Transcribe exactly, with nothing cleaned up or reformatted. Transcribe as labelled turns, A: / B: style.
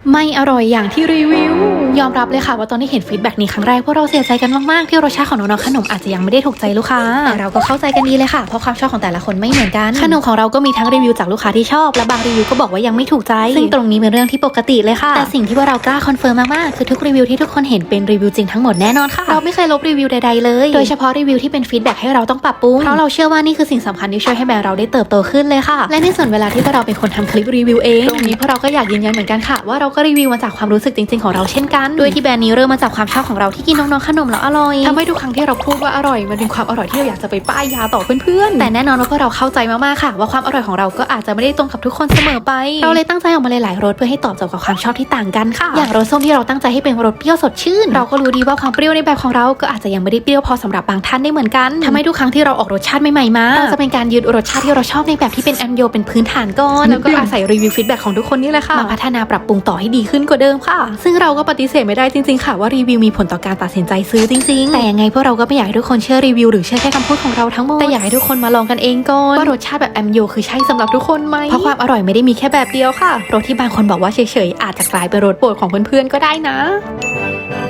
A: ไม่อร่อยอย่างที่รีวิวยอมรับเลยค่ะว่าตอนที่เห็นฟีดแบ็กนี้ครั้งแรกพวกเราเสียใจกันมากๆที่รสชาติของน้องๆขนมอาจจะยังไม่ได้ถูกใจลูกค้าแต่เราก็เข้าใจกันดีเลยค่ะเพราะความชอบของแต่ละคนไม่เหมือนกันขนมของเราก็มีทั้งรีวิวจากลูกค้าที่ชอบและบางรีวิวก็บอกว่ายังไม่ถูกใจซึ่งตรงนี้เป็นเรื่องที่ปกติเลยค่ะแต่สิ่งที่ว่าเรากล้าคอนเฟิร์มมากๆคือทุกรีวิวที่ทุกคนเห็นเป็นรีวิวจริงทั้งหมดแน่นอนค่ะเราไม่เคยลบรีวิวใดๆเลยโดยเฉพาะรีวิวที่เป็นฟีดแบ็กให้เราต้องปรับปรุงเพราะเราเชื่อว่านี่คือสิ่งสำคัญที่ช่วยให้แบรนด์เราได้เติบโตขึ้นเลยค่ะและในส่วนเวลาที่พวกเราเป็นคนทำคลิปรีวิวเองตรงนี้พวกเราก็อยากยืนยันเหมือนกันค่ะว่าเราก็รีวิวมาจากความรู้สึกจริงๆของเราเช่นกันโดยที่แบรนด์นี้เริ่มมาจากความชอบของเราที่กินน้องๆขนมแล้วอร่อยทำให้ทุกครั้งที่เราพูดว่าอร่อยมันเป็นความอร่อยที่เราอยากจะไปป้ายยาต่อเพื่อนๆแต่แน่นอนว่าพวกเราเข้าใจมากๆค่ะว่าความอร่อยของเราก็อาจจะไม่ได้ตรงกับทุกคนเสมอไปเราเลยตั้งใจออกมาหลายๆรสเพื่อให้ตอบโจทย์กับความชอบที่ต่างกันค่ะอย่างรสส้มที่เราตั้งใจให้เป็นรสเปรี้ยวสดชื่นเราก็รู้ดีว่าความเปรี้ยวในแบบของเราก็อาจจะยังไม่ได้เปรี้ยวพอสำหรับบางท่านได้เหมือนกันทำให้ทุกครั้งที่เราออกรสชาติใหม่ๆมาเราจะเป็นการยึดรสชาติที่เราชอบในแบบที่เป็นแอมโยเป็นพื้นฐานก่อนแล้วก็อาศัยรีวิวฟีดแบ็กของทุกคนนี่แหละค่ะมาพัฒนาปรับปรุงต่อให้ดีขึ้นกว่าเดิมค่ะซึ่งเราก็ปฏิเสธไม่ได้จริงๆค่ะว่ารีวิวมีผลต่อการตัดสินใจซื้อจริงๆแต่ยังไงพวกเราก็ไม่อยากให้ทุกคนเชื่อรีวิวหรือเชื่อแค่คำพูดของเราทั้งหมดแต่อยากให้ทุกคนมาลองกันเองก่อนว่ารสชาติแบบแอมโยคือใช่สำหรับทุกคนไหมเพราะความอร่อยไม่ได้มีแค่แบบเดียวค่ะรสที่บางคนบอกว่าเฉยๆอาจจะกลายเป็นรสโปรดของเพื่อนๆก็ได้นะ